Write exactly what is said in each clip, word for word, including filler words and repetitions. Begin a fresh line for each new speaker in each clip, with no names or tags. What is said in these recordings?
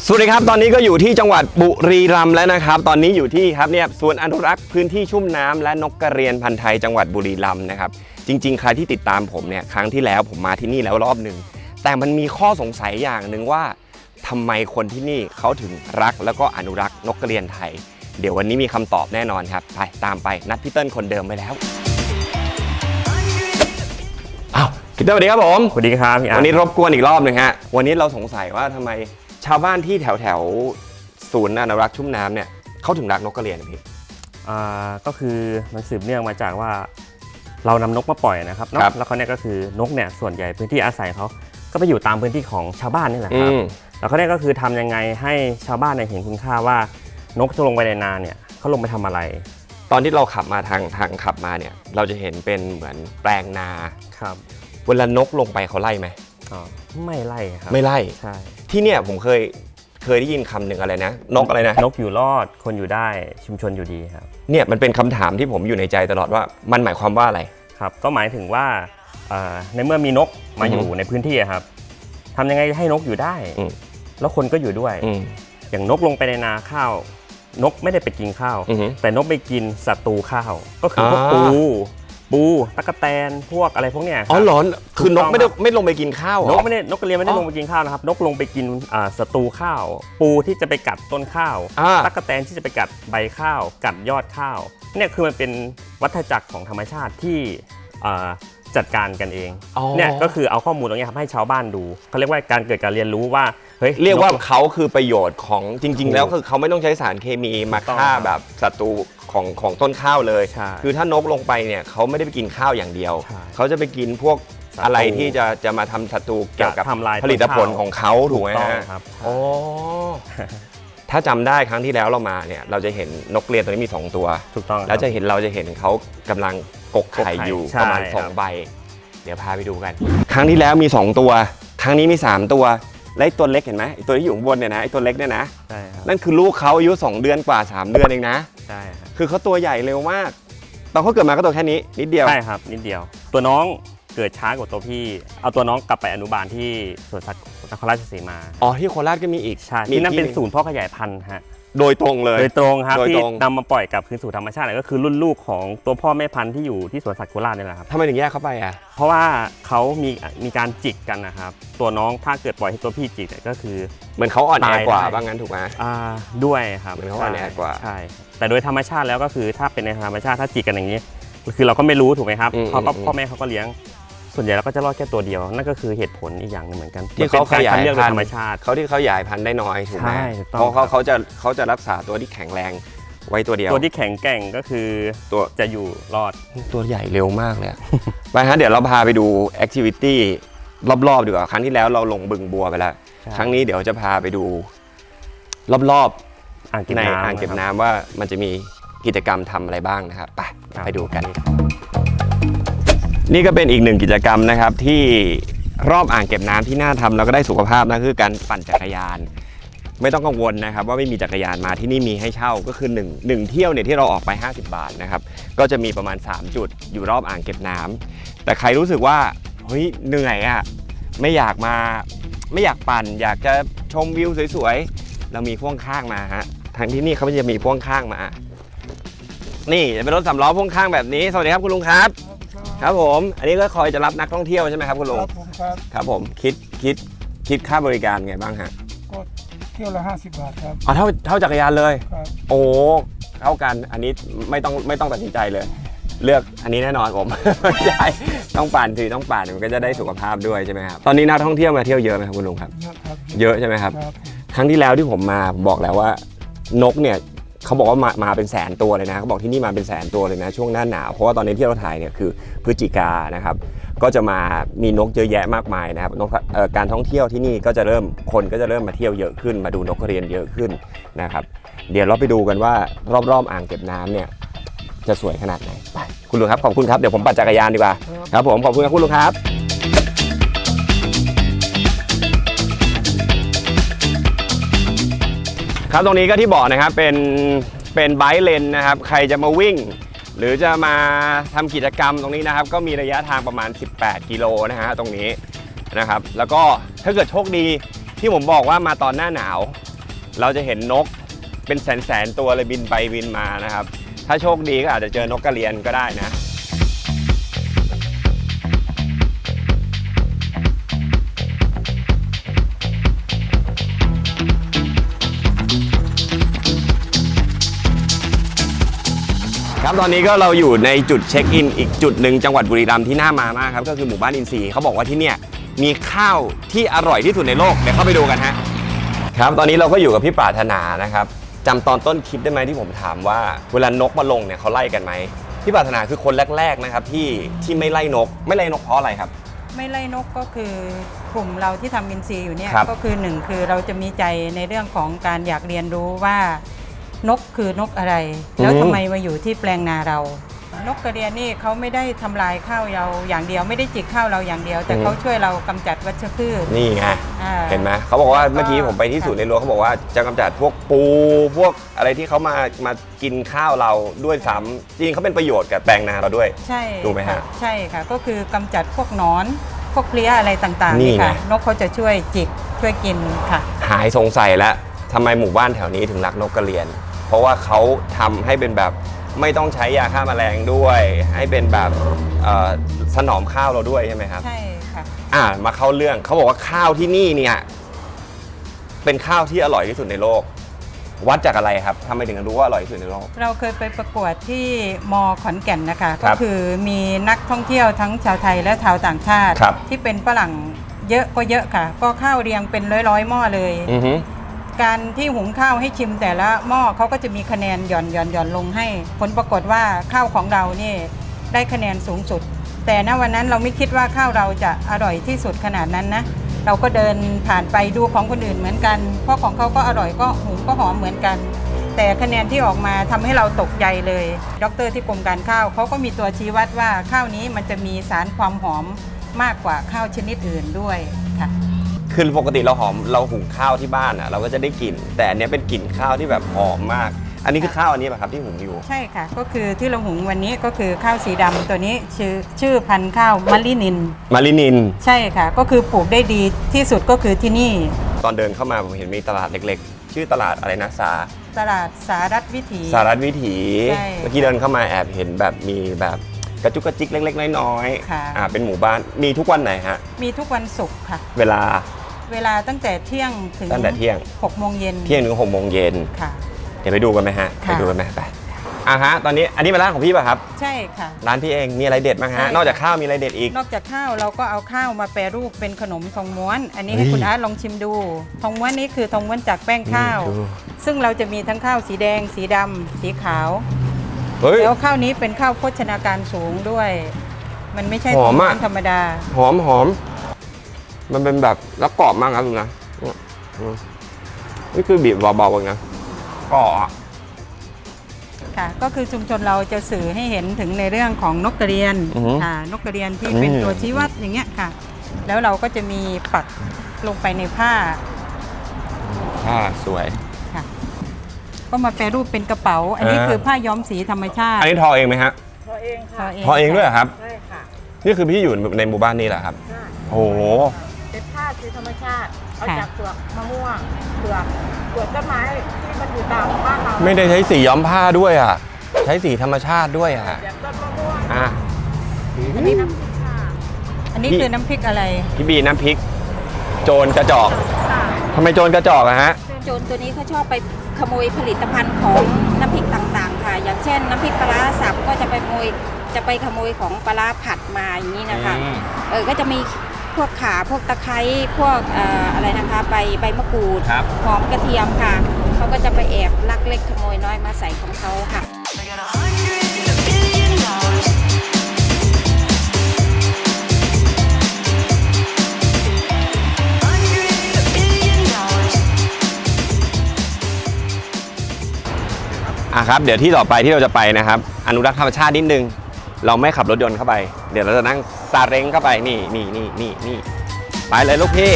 สวัสดีครับตอนนี้ก็อยู่ที่จังหวัดบุรีรัมย์แล้วนะครับตอนนี้อยู่ที่ครับเนี่ยสวนอนุรักษ์พื้นที่ชุ่มน้ำและนกกระเรียนพันธุ์ไทยจังหวัดบุรีรัมย์นะครับจริงๆใครที่ติดตามผมเนี่ยครั้งที่แล้วผมมาที่นี่แล้วรอบหนึ่งแต่มันมีข้อสงสัยอย่างหนึ่งว่าทำไมคนที่นี่เขาถึงรักแล้วก็อนุรักษ์นกกระเรียนไทยเดี๋ยววันนี้มีคำตอบแน่นอนครับไปตามไปนัดพี่เติ้ลคนเดิมไปแล้วอ้าวพี่เติ้ลสวัสดีครับผม
สวัสดีครับ
วันนี้รบกวนอีกรอบหนึ่งฮะวันนี้เราสงสัยว่าทำไมชาวบ้านที่แถวแถวศูนย์อนุรักษ์ชุ่มน้ำเนี่ยเขาถึงรักนกกระเรียนพี่
อ่าก็คือมันสืบเนื่องมาจากว่าเรานำนกมาปล่อยนะครับเนาะแล้วเขาเนี่ยก็คือนกเนี่ยส่วนใหญ่พื้นที่อาศัยเขาก็ไปอยู่ตามพื้นที่ของชาวบ้านนี่แหละครับแล้วเขาเนี่ยก็คือทำยังไงให้ชาวบ้านเนี่ยเห็นคุณค่าว่านกจะลงไปในนาเนี่ยเขาลงไปทำอะไร
ตอนที่เราขับมาทางทางขับมาเนี่ยเราจะเห็นเป็นเหมือนแปลงนา
ครับ
เวลานกลงไปเขาไล่ไหม
อ๋อไม่ไล่ครับ
ไม่ไล่
ใช่
ที่เนี่ยผมเคยเคยได้ยินคำหนึ่งอะไรนะนกอะไรนะ
นกอยู่รอดคนอยู่ได้ชุมชนอยู่ดีครับ
เนี่ยมันเป็นคำถามที่ผมอยู่ในใจตลอดว่ามันหมายความว่าอะไร
ครับก็หมายถึงว่าในเมื่อมีนกมาอยู่ในพื้นที่ครับทำยังไงให้นกอยู่ได้แล้วคนก็อยู่ด้วยอย่างนกลงไปในนาข้าวนกไม่ได้ไปกินข้าวแต่นกไปกินศัตรูข้าวก็คือพวกปูปูตั๊กแตนพวกอะไรพวกเนี้ย
อ๋อหรอคือนกไม่ได้ไม่ลงไปกินข้าวน
กไม่ได้นกกระเรียนไม่ได้ลงไปกินข้าวนะครับนกลงไปกินศัตรูข้าวปูที่จะไปกัดต้นข้าวตั๊กแตนที่จะไปกัดใบข้าวกัดยอดข้าวเนี่ยคือมันเป็นวัฏจักรของธรรมชาติที่จัดการกันเองเนี่ยก็คือเอาข้อมูลตรงนี้ครับให้ชาวบ้านดูเขาเรียกว่าการเกิดการเรียนรู้ว่าเฮ้ย
เรียกว่าเขาคือประโยชน์ของจริงๆแล้วคือเขาไม่ต้องใช้สารเคมีมาฆ่าแบบศัตรูของของต้นข้าวเลยคือถ้านกลงไปเนี่ยเขาไม่ได้ไปกินข้าวอย่างเดียวเขาจะไปกินพวกอะไรที่จะจะมาทำศัตรูเกี่ยวกับผลิตผลของเขาถูกไหม
ครับ
อ๋อถ้าจำได้ครั้งที่แล้วเรามาเนี่ยเราจะเห็นนกกระเรียนตัวนี้มีสองตัว
ถูกต้อง
แล้วจะเห็นเราจะเห็นเขากำลังกกไข่อยู่ประมาณสองใบเดี๋ยวพาไปดูกันครั้งที่แล้วมีสองตัวครั้งนี้มีสามตัวและตัวเล็กเห็นไหมไอตัวที่อยู่ข้างบนเนี่ยนะไอตัวเล็กเนี่ยนะ
ใช่ครับ
นั่นคือลูกเขาอายุสองเดือนกว่าสามเดือนเองนะ
ใช่ครับ
คือเขาตัวใหญ่เร็วมากตอนเขาเกิดมาก็ตัวแค่นี้นิดเดียว
ใช่ครับนิดเดียวตัวน้องเกิดช้ากว่าตัวพี่เอาตัวน้องกลับไปอนุบาลที่สวนสัตว์นครราชสีมา
อ๋อที่โคราชก็มีอีก
ใช่ที่นั่นเป็นศูนย์พ่อขยายพันธุ์ฮะ
โดยตรงเลย
โดยตรงครับที่นำมาปล่อยกลับคืนสู่ธรรมชาติก็คือรุ่นลูกของตัวพ่อแม่พันธุ์ที่อยู่ที่สวนสัตว์โคราชนี่แหละครับ
ทำไมถึงแยกเข้าไปอ่ะ
เพราะว่าเขามีมีการจิกกันนะครับตัวน้องถ้าเกิดปล่อยให้ตัวพี่จิกก็คือ
เหมือนเขาอ่อนแอกว่าบ้างงั้นถูกไหม
อ่าด้วยครับ
เหมือนเขาอ่อนแอกว่า
ใช่แต่โดยธรรมชาติแล้วก็คือถ้าเป็นในธรรมชาติถ้าจิกกันอย่างนี้คือเราก็ไม่รู้ถูกไหมครับเขาก็พ่อแม่เขาก็เลี้ยงส่วนใหญ่เราก็จะรอดแค่ตัวเดียวนั่นก็คือเหตุผลอีกอย่างนึงเหมือนกัน
ที่เขาขยายพันธุ์
ธรรมชาติ
เขาที่เขาขยายพันธุ์ได้น้อยถูกไหมเพ
รา
ะเขาเขาจะเขาจะรักษาตัวที่แข็งแรงไว้ตัวเดียว
ตัวที่แข็งแกร่งก็คือ
ตัว
จะอยู่รอด
ตัวใหญ่เร็วมากเลยไปฮะเดี๋ยวเราพาไปดูแอคทิวิตี้รอบๆดีกว่าครั้งที่แล้วเราลงบึงบัวไปแล้วครั้งนี้เดี๋ยวจะพาไปดูรอบๆในอ่างเก็บน้ำว่ามันจะมีกิจกรรมทำอะไรบ้างนะครับไปไปดูกันนี่ก็เป็นอีกหนึ่งกิจกรรมนะครับที่รอบอ่างเก็บน้ำที่น่าทำแล้วก็ได้สุขภาพนะคือการปั่นจักรยานไม่ต้องกังวลนะครับว่าไม่มีจักรยานมาที่นี่มีให้เช่าก็คือหนึ่ง หนึ่งเที่ยวเนี่ยที่เราออกไปห้าสิบบาทนะครับก็จะมีประมาณสามจุดอยู่รอบอ่างเก็บน้ำแต่ใครรู้สึกว่าเฮ้ยเหนื่อยอ่ะไม่อยากมาไม่อยากปั่นอยากจะชมวิวสวยๆเรามีพ่วงข้างมาฮะทางที่นี่เขาจะมีพ่วงข้างมานี่จะเป็นรถสำล้อพ่วงข้างแบบนี้สวัสดีครับคุณลุงครับครับผมอันนี้ก็คอยจะรับนักท่องเที่ยวใช่ไหมครับคุณลุง
ครับผมครับ
ครับผมคิดคิดคิดค่าบริการไงบ้างฮะ
ก็เที่ยวละห้าสิบบาทครับ
อ๋อเท่าเท่าจักรยานเลย
ครับ
โอ้เท่ากันอันนี้ไม่ต้องไม่ต้องตัดสินใจเลยเลือกอันนี้แน่นอนผมใช่ต้องปั่นถือต้องปั่นมันก็จะได้สุขภาพด้วยใช่ไหมครับตอนนี้นักท่องเที่ยวมาเที่ยวเยอะไหมครับคุณลุงครับเยอะใช่ไหมครับครั้งที่แล้วที่ผมมาบอกแล้วว่านกเนี่ยเขาบอกว่ามามาเป็นแสนตัวเลยนะเขาบอกที่นี่มาเป็นแสนตัวเลยนะช่วงหน้าหนาวเพราะว่าตอนนี้ที่เราถ่ายเนี่ยคือพฤศจิกานะครับก็จะมามีนกเยอะแยะมากมายนะครับนกการท่องเที่ยวที่นี่ก็จะเริ่มคนก็จะเริ่มมาเที่ยวเยอะขึ้นมาดูนกกระเรียนเยอะขึ้นนะครับเดี๋ยวเราไปดูกันว่ารอบๆอ่างเก็บน้ำเนี่ยจะสวยขนาดไหนไปคุณลุงครับขอบคุณครับเดี๋ยวผมปั่นจักรยานดีกว่าครับผมขอบคุณครับคุณลุงครับครับตรงนี้ก็ที่บอกนะครับเป็นเป็นไบค์เลนนะครับใครจะมาวิ่งหรือจะมาทำกิจกรรมตรงนี้นะครับก็มีระยะทางประมาณสิบแปดกิโลนะฮะตรงนี้นะครับแล้วก็ถ้าเกิดโชคดีที่ผมบอกว่ามาตอนหน้าหนาวเราจะเห็นนกเป็นแสนๆตัวเลยบินไปบินมานะครับถ้าโชคดีก็อาจจะเจอนกกระเรียนก็ได้นะ ครับตอนนี้ก็เราอยู่ในจุดเช็คอินอีกจุดหนึ่งจังหวัดบุรีรัมย์ที่น่ามามากครับก็คือหมู่บ้านอินทรีย์เขาบอกว่าที่เนี่ยมีข้าวที่อร่อยที่สุดในโลกเดี๋ยวเข้าไปดูกันฮะครับตอนนี้เราก็อยู่กับพี่ปรารถนานะครับจำตอนต้นคลิปได้ไหมที่ผมถามว่าเวลานกมาลงเนี่ยเขาไล่กันไหมพี่ปรารถนาคือคนแรกๆนะครับที่ที่ไม่ไล่นกไม่ไล่นกเพราะอะไรครับ
ไม่ไล่นกก็คือกลุ่มเราที่ทำอินทรีย์อยู่เนี่ย
ครับ
ก็คือหนึ่งคือเราจะมีใจในเรื่องของการอยากเรียนรู้ว่านกคือนกอะไร แล้วทำไมมาอยู่ที่แปลงนาเรา นกกระเรียนนี่เขาไม่ได้ทำลายข้าวเราอย่างเดียวไม่ได้จิกข้าวเราอย่างเดียว แต่เขาช่วยเรากำจัดวัชพืช
นี่ไง
อ่า
เห็นไหมเขาบอกว่า
แล้วก็
เมื่อกี้ผมไปที่ศูนย์เรียนรู้เขาบอกว่าจะกำจัดพวกปูพวกอะไรที่เขามามากินข้าวเราด้วยซ้ำจริงเขาเป็นประโยชน์กับแปลงนาเราด้วย
ใช่
ถูกไหมฮะ
ค่ะใช่ค่ะก็คือกำจัดพวกหนอนพวกเพลี้ยอะไรต่างๆ
นี่
นี่
ไง
ค่ะนกเขาจะช่วยจิกช่วยกินค่ะ
หายสงสัยแล้วทำไมหมู่บ้านแถวนี้ถึงรักนกกระเรียน เพราะว่าเขาทำให้เป็นแบบไม่ต้องใช้ยาฆ่าแมลงด้วย ให้เป็นแบบเอ่อถนอมข้าวเราด้วยใช่ไหมครับ
ใช่ค่ะ
อ่ามาเข้าเรื่องเขาบอกว่าข้าวที่นี่เนี่ยเป็นข้าวที่อร่อยที่สุดในโลก วัดจากอะไรครับทำไมถึงรู้ว่าอร่อยที่สุดในโลก
เราเคยไปประกวดที่มอขอนแก่นนะคะ
ครั
ก็
บ
คือมีนักท่องเที่ยวทั้งชาวไทยและชาวต่างชาติ
ครับ
ที่เป็นฝรั่งเยอะก็เยอะค่ะ ก็ข้าวเรียงเป็นร้อยๆหม้อเลย
อือฮึ
การที่หุงข้าวให้ชิมแต่ละหม้อเขาก็จะมีคะแนนหย่อนหย่อนหย่อนลงให้ ผลปรากฏว่าข้าวของเรานี่ได้คะแนนสูงสุด แต่ณวันนั้นเราไม่คิดว่าข้าวเราจะอร่อยที่สุดขนาดนั้นนะเราก็เดินผ่านไปดูของคนอื่นเหมือนกัน เพราะของเขาก็อร่อยก็หุงก็หอมเหมือนกัน แต่คะแนนที่ออกมาทำให้เราตกใจเลยดรที่กรมการข้าวเขาก็มีตัวชี้วัดว่าข้าวนี้มันจะมีสารความหอมมากกว่าข้าวชนิดอื่นด้วยค่ะ
คือปกติเราหอมเราหุงข้าวที่บ้านอ่ะเราก็จะได้กลิ่นแต่อันเนี้ยเป็นกลิ่นข้าวที่แบบหอมมาก อันนี้คือข้าวอันนี้ป่ะครับที่หุงอยู่
ใช่ค่ะก็คือที่เราหุงวันนี้ก็คือข้าวสีดำตัวนี้ชื่อชื่อพันธุ์ข้าวมะลินิน
มารินิน
ใช่ค่ะก็คือปลูกได้ดีที่สุดก็คือที่นี่
ตอนเดินเข้ามาผมเห็นมีตลาดเล็กๆ ชื่อตลาดอะไรนะสา
ตลาดสารัฐวิถี
สารัฐวิถี
ใช่
เมื่อกี้เดินเข้ามาแอบเห็นแบบมีแบบกระจุกกระจิกเล็กๆน้อย
ค่ะ
ๆอ่าเป็นหมู่บ้านมีทุกวันไหนฮะ
มีทุกวันศุกร์ค่ะ
เวลา
เวลาตั้งแต่เที่ยงถึง
ตั้งแต่เที่ยง
หกโมงเย็น
เที่ยงถึงหกโมงเย็น
ค่ะ
เดี๋ยวไปดูกันไหมฮะ
ค่ะ
ไปดูกันไหมไปอ่ะฮะตอนนี้อันนี้เป็นร้านของพี่ป่ะครับ
ใช่ค่ะ
ร้านพี่เองมีอะไรเด็ดบ้าง
ใช่
ฮะนอกจากข้าวมีอะไรเด็ดอีก
นอกจากข้าวเราก็เอาข้าวมาแปรรูปเป็นขนมทองม้วน อันนี้
เฮ้
ให้
ย
คุณอาร์ตลองชิมดูทองม้วนนี้คือทองม้วนจากแป้งข้าว
ดู
ซึ่งเราจะมีทั้งข้าวสีแดง สีดำสีขาว
เฮ้ย
แล้วข้าวนี้เป็นข้าวโภชนาการสูงด้วย มันไม่ใช่
หอมอะ
ธรรมดา
หอมหอมมันเป็นแบบแล้วกรอบมากครับลุงนะเนี่ยอืมนี่คือบีบเบาๆเองนะกรอบอะ
ค่ะ ก็คือชุมชนเราจะสื่อให้เห็นถึงในเรื่องของนกกระเรียน
อือฮึ
ค่ะ นกกระเรียนที่เป็น
นี่
ตัวชี้วัดอย่างเงี้ยค่ะ แล้วเราก็จะมีปักลงไปในผ้า
อ่าสวย
ค่ะ ก็มาแปรรูปเป็นกระเป๋า อันนี้
อ่า
คือผ้าย้อมสีธรรมชาติ
อันนี้ทอเองไหมฮะ
ทอเองค่ะ
ทอเองด้วยเหรอครับ
ใช่ค่ะ
นี่คือพี่อยู่ในหมู่บ้านนี่แหละครับ
ใช่
โอ้โห
เป็นผ้าสีธรรมชาติ เอา
ค่ะ
จากเปลือกมะม่วงเปลือกเปลือกต้นไม้ที่มันอยู่ตามบ้านเรา
ไม่ได้ใช้สีย้อมผ้าด้วยอ่ะ ใช้สีธรรมชาติด้วยอ่ะ
แบบต้นมะม่วง
อ่ะ
อันนี้น้ำพริกค่ะ
อันนี้
พี่
คือน้ำพริกอะไร
พี่บีน้ำพริก โจรกระจอก
ค่ะ
ทำไมโจรกระจอกอะฮะ
โจรตัวนี้เขาชอบไปขโมยผลิตภัณฑ์ของน้ำพริกต่างๆ ค่ะ อย่างเช่นน้ำพริกปลาร้าสับก็จะไปขโมยจะไปขโมยของปลาร้าผัดมาอย่างนี้นะคะ
อืม
เออก็จะมีพวกข่าพวกตะไคร้พวกเอ่ออะไรนะคะใบใบมะกรูด
ครับ
หอมกระเทียมค่ะเขาก็จะไปแอบลักเล็กขโมยน้อยมาใส่ของเขาค่ะ
I got a hundred billion dollars. Hundred billion dollars.
อ่ะครับเดี๋ยวที่ต่อไปที่เราจะไปนะครับ อนุรักษ์ธรรมชาตินิดนึง เราไม่ขับรถยนต์เข้าไป เดี๋ยวเราจะนั่งซาเล้งเข้าไปนี่นี่นี่นี่นี่ไปเลยลูกพี่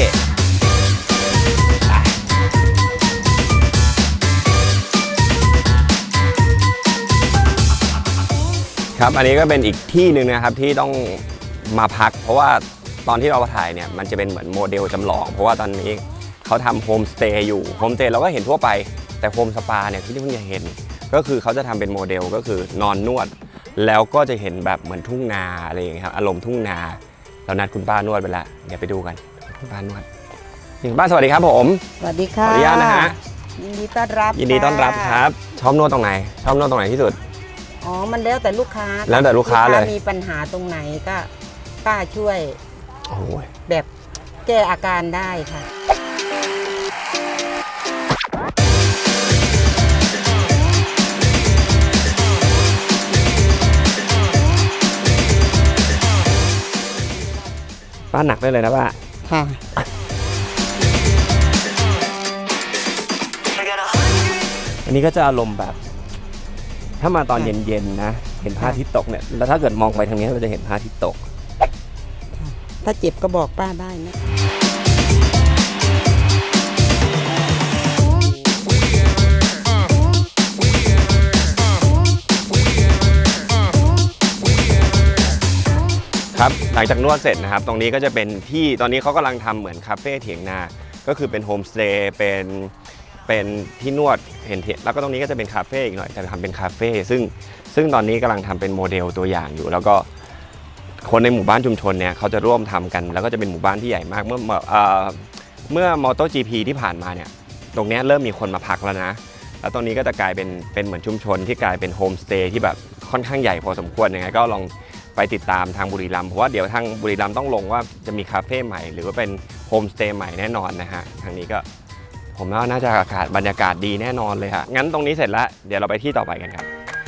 ครับอันนี้ก็เป็นอีกที่หนึ่งนะครับที่ต้องมาพัก เพราะว่าตอนที่เราถ่ายเนี่ยมันจะเป็นเหมือนโมเดลจำลอง เพราะว่าตอนนี้เขาทำโฮมสเตย์อยู่โฮมสเตย์เราก็เห็นทั่วไปแต่โฮมสปาเนี่ยที่เพิ่งจะเห็นก็คือเขาจะทำเป็นโมเดลก็คือนอนนวดแล้วก็จะเห็นแบบเหมือนทุ่งนาอะไรอย่างเงี้ยครับอารมณ์ทุ่งนาเรานัดคุณป้านวดไปแล้วเดี๋ยวไปดูกันคุณป้านวดคุณป้าสวัสดีครับผม
สวัสดี
ขอ
ค่ะ
อนุญาตนะฮะ
ยินดีต้อนรับ
ยินดีต้อนรับครับชอบนวดตรงไหนชอบนวดตรงไหนที่สุด
อ๋อมันแล้วแต่ลูกค้า
แล้วแต่ลูกค้าเลย
มีปัญหาตรงไหนก็ป้าช่วย
โอ้ย
แบบแก้อาการได้ค่ะ
ป้าหนักได้เลยนะป้า
ค่ะ
I got a hundred.
อันนี้ก็จะอารมณ์แบบ ถ้ามาตอนเย็นๆนะเห็นพระอาทิตย์ตกเนี่ยแล้วถ้าเกิดมองไปทางนี้เราจะเห็นพระอาทิตย์ตก
ถ้าเจ็บก็บอกป้าได้นะ
ครับหลังจากนวดเสร็จนะครับตรงนี้ก็จะเป็นที่ตอนนี้เขากำลังทำเหมือนคาเฟ่เถียงนาก็คือเป็นโฮมสเตย์เป็นเป็นที่นวดเห็นเถียงแล้วก็ตรงนี้ก็จะเป็นคาเฟ่อีกหน่อยจะทำเป็นคาเฟ่ซึ่งซึ่งตอนนี้กำลังทำเป็นโมเดลตัวอย่างอยู่ แล้วก็คนในหมู่บ้านชุมชนเนี่ยเขาจะร่วมทำกัน แล้วก็จะเป็นหมู่บ้านที่ใหญ่มากเมื่อเอ่อเมื่อมอเตอร์จีพีที่ผ่านมาเนี่ยตรงนี้เริ่มมีคนมาพักแล้วนะแล้วตรงนี้ก็จะกลายเป็นเป็นเหมือนชุมชนที่กลายเป็นโฮมสเตย์ที่แบบค่อนข้างใหญ่พอสมควรยังไงก็ลองไปติดตามทางบุรีรัมย์เพราะว่าเดี๋ยวทางบุรีรัมย์ต้องลงว่าจะมีคาเฟ่ใหม่หรือว่าเป็นโฮมสเตย์ใหม่แน่นอนนะฮะทางนี้ก็ผมว่าน่าจะอากาศบรรยากาศดีแน่นอนเลยฮะงั้นตรงนี้เสร็จแล้วเดี๋ยวเราไปที่ต่อไปกันครับ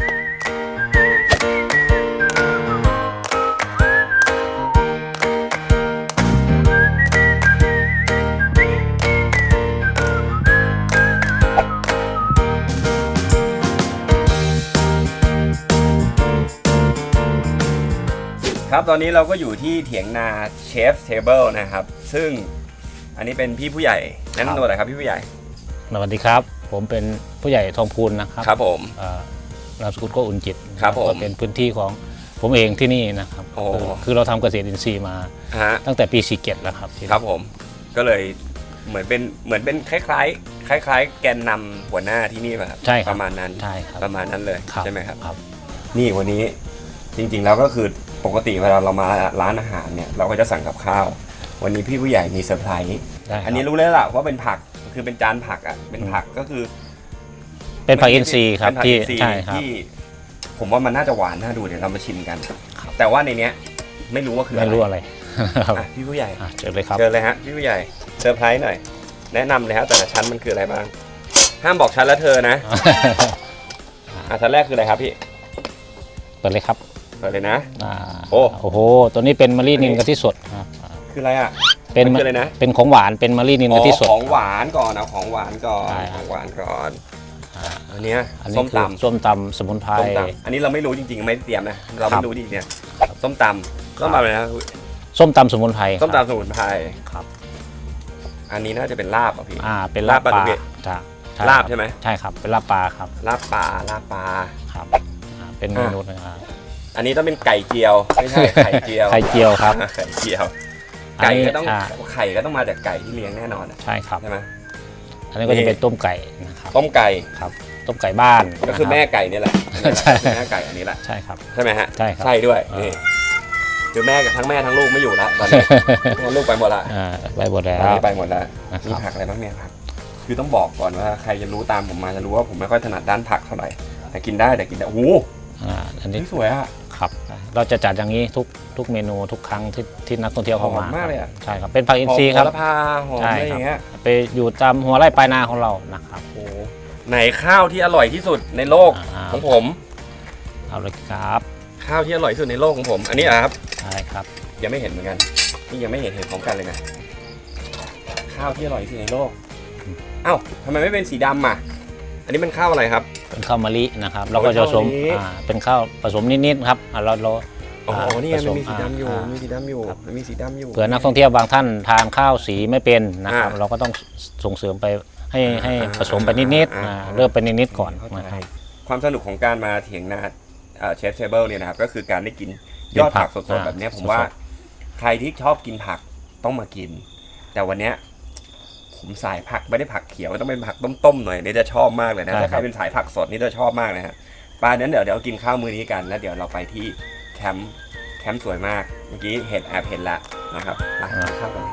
ครับตอนนี้เราก็อยู่ที่เถียงนาเชฟเทเบิลนะครับซึ่งอันนี้เป็นพี่ผู้ใหญ่แนะนำตัวหน่อยครับพี่ผู้ใหญ่
สวัสดีครับ ผมเป็นผู้ใหญ่ทองพูนนะครับ
ครับผม
เอ่อนามสกุลก็อุ่นจิต
ครับผม
ก็เป็นพื้นที่ของผมเองที่นี่นะครับ
โอ้
คือคือเราทำเกษตรอินทรีย์มา
ฮะ
ตั้งแต่ปีสี่เจ็ดแล้วครับที่
ครับผมก็เลยเหมือนเป็นเหมือนเป็นคล้ายๆ คล้าย ๆ แกนนำหัวหน้าที่นี่ป่ะครับ
ใช่ครับ
ประมาณนั้น
ใช่ครับ
ประมาณนั้นเลย
ครับ
ใช่ไหมครับ
ครับ
นี่วันนี้จริงๆแล้วก็คือปกติเวลาเรามาร้านอาหารเนี่ยเราก็จะสั่งกับข้าว วันนี้พี่ผู้ใหญ่มีเซอร์ไพรส์
ได้ครับ
อันนี้รู้แล้วล่ะว่าเป็นผักคือเป็นจานผักอ่ะเป็นผักก็คือ
เป็นผักอินทรีย์ครับ
เป็นผัก
ที่
อินทรีย์
ใช่ครับ
ที่ผมว่ามันน่าจะหวานน่าดูเดี๋ยวเรามาชิมกัน แต่ว่าในเนี้ยไม่รู้ว่าคืออะไร
ไม่รู้อะไร ครับ
อ่ะพี่ผู้ใหญ่
อ่ะเชิญเลยครับ
เชิญเลยฮะพี่ผู้ใหญ่เซอร์ไพรส์หน่อย แนะนำเลยฮะแต่ละชั้นมันคืออะไรบ้าง ห้ามบอกชั้นและเธอนะอ่ะชั้นแรกคืออะไรครับพี่
เปิดเลยครับ
เปิดเลยนะ
อ่า
โอ้
โอ้โหตัวนี้เป็นมะลินินกะทิสดครับอ่า
คืออะไรอ่ะ
เป็น
มันคืออะไรนะ
เป็นของหวานเป็นมะลินิน
อ๋
กะทิ
อ
สด
ของหวานก่อนเอาของหวานก่อน
ใช่
ของหวานก่อน
อ่า
อันเนี้ย
อันนี้
ส้ม
คือ
ตำ
ส้มตำสมุนไพร
ส้มตำอันนี้เราไม่รู้จริงๆไม่ได้เตรียมนะเรา
ครั
ไม่
บ
รู้จริงๆเนี่ยส้มตำส้มตำอะไรนะ
ส้มตำสมุนไพร
ส้ม
ครับ
ตำสมุนไพร
ครับ
อันนี้น่าจะเป็นลาบอ่ะพี่
อ่าเป็นลาบ
ลาบปลา
ปลา
ดุก
จ้ะใช่
ลาบ
ครั
ใช่ไหม
ใช่ครับเป็นลาบปลาครับ
ลาบปลาลาบปลา
ครับอ่าเป็นเมนูนะครับ
อันนี้ต้องเป็นไก่เจียวไม่ใช่ไข่เจียว
ไข่เจียวครับ
ไข่เจียว
อัน
ไก่
นี้
ก็ต้อง
อ่า
ไข่ก็ต้องมาจากไก่ที่เลี้ยงแน่นอนอะ
ใช่ครับ
ใช่ไหม
อันนี้ก็จะเป็นต้มไก่นะครับ
ต้มไก่
ครับต้มไก่บ้าน
ก็คือ
นะรับ
แม่ไก่นี่แหละ
ใช่
คือแม่ไก่อันนี้แหละ
ใช่ครับ
ใช่ไหมฮะ
ใช่ครับ
ใช่ด้วย
อ่านี่
นี่คือแม่กับทั้งแม่ทั้งลูกไม่อยู่แล้วตอนนี้ ทั้งลูกไปหมดละ
อ่าไปหมดแล้
ตอน
ว
นี้ไปหมดแล้ว
นะครับ
มีผักอะไรบ้างเนี่ยผักคือต้องบอกก่อนว่าใครจะรู้ตามผมมาจะรู้ว่าผมไม่ค่อยถนัดด้านผักเท่าไหร่แต่กินได้แต่กินได้โอ้โห
อ่าอันนี้
นี่สวยอ่ะ
ครับเราจะจัดอย่างนี้ทุกทุกเมนูทุกครั้งที่ที่นักท่องเที่ยวเข้ามา
หอมมากเลยอะ
ใช่ครับเป็นผักอินทรีย์ครับ
หอมโหระพาหอม
ใช่
อะไรอ
ครั
ย่างเงี้ย
ไปอยู่ตามหัวไร่ปลายนาของเรานะครับ
โอ้โหไหนข้าวที่อร่อยที่สุดในโลก
อ่า
ของผม
เอาเลยครับ
ข้าวที่อร่อยที่สุดในโลกของผม อันนี้เหรอครับ
ใช่ครับ
ยังไม่เห็นเหมือนกันนี่ยังไม่เห็นเห็นพร้อมกันเลยนะข้าวที่อร่อยที่สุดในโลกเอ้าทำไมไม่เป็นสีดำอ่ะอันนี้เป็นข้าวอะไรครับ
เป็นข้าวมะลินะครับเราก็จะผสม
ข้าวมะลิ
อ่าเป็นข้าวผสมนิดๆครับอ่าเราเรา
โอ้โห
อ่า
นี่ไง
ผส
มันมีสีดำอยู่
า
มันมีสีดำอยู่
ครับ
มันมีสีดำอยู่
เผื่อนักท่องเที่ยวบางท่านทานข้าวสีไม่เป็นนะครับ
อ่า
เราก็ต้องส่งเสริมไปให้ให้
อ่า
ผสมไปนิด
อ่า
ๆอ่าเริ่มไปนิดๆก่อน
เข้าใจ
นะครับ
ความสนุกของการมาเถียงนาเชฟเทเบิลเนี่ยนะครับก็คือการได้กินยอดผักสดๆ
อ่า
แบบเนี้ยผม
สดๆ
ว่าใครที่ชอบกินผักต้องมากิน แต่วันเนี้ยผผมสายผักไม่ได้ผักเขียวต้องเป็นผักต้มๆหน่อยนี่จะชอบมากเลยนะ
ใช่
ถ้า
ค
ใค
รั
ร
บ
เป็นสายผักสดนี่จะชอบมากเลยฮะปลานั้นเดี๋ยวเดี๋ยวกินข้าวมื้อนี้กันแล้วเดี๋ยวเราไปที่แคมป์แคมป์สวยมากเมื่อกี้เห็นแอบเห็นแล้วนะครับไปกินข้าวกัน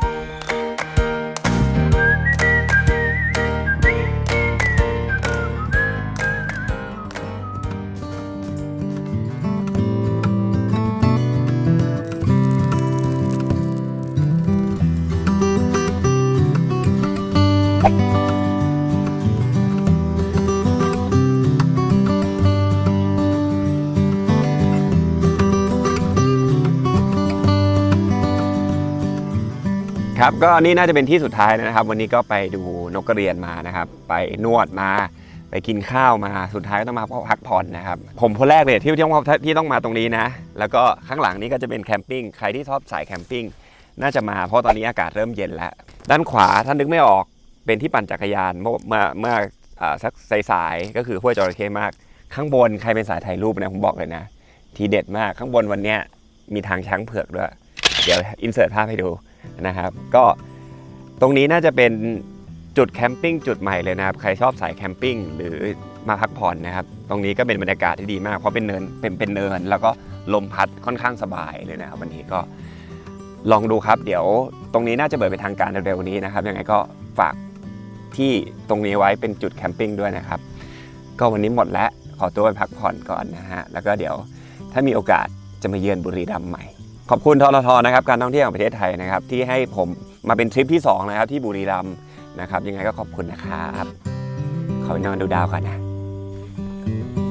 ครับก็นี่น่าจะเป็นที่สุดท้ายแล้วนะครับวันนี้ก็ไปดูนกกระเรียนมานะครับไปนวดมาไปกินข้าวมาสุดท้ายก็ต้องมาพักผ่อนนะครับผมคนแรกเลยที่ที่ต้องที่ต้องมาตรงนี้นะแล้วก็ข้างหลังนี้ก็จะเป็นแคมปิ้งใครที่ชอบสายแคมปิ้งน่าจะมาเพราะตอนนี้อากาศเริ่มเย็นแล้วด้านขวาท่านนึกไม่ออกเป็นที่ปั่นจักรยานเมื่อเมื่อเมื่อสักสายๆก็คือห้วยจระเข้มากข้างบนใครเป็นสายถ่ายรูปนะผมบอกเลยนะทีเด็ดมากข้างบนวันนี้มีทางช้างเผือกด้วยเดี๋ยวอินเสิร์ตภาพให้ดูนะครับก็ตรงนี้น่าจะเป็นจุดแคมปิ้งจุดใหม่เลยนะครับใครชอบสายแคมปิ้งหรือมาพักผ่อนนะครับตรงนี้ก็เป็นบรรยากาศที่ดีมากเพราะเป็นเนินเป็นเป็นเนินแล้วก็ลมพัดค่อนข้างสบายเลยนะครับวันนี้ก็ลองดูครับเดี๋ยวตรงนี้น่าจะเปิดเป็นทางการเร็วๆนี้นะครับยังไงก็ฝากที่ตรงนี้ไว้เป็นจุดแคมปิ้งด้วยนะครับก็วันนี้หมดแล้วขอตัวไปพักผ่อนก่อนนะฮะแล้วก็เดี๋ยวถ้ามีโอกาสจะมาเยือนบุรีรัมย์ใหม่ขอบคุณทททนะครับการท่องเที่ยวแห่งประเทศไทยนะครับที่ให้ผมมาเป็นทริปที่สองนะครับที่บุรีรัมย์นะครับยังไงก็ขอบคุณนะครับขอไปนอนดูดาวก่อนนะ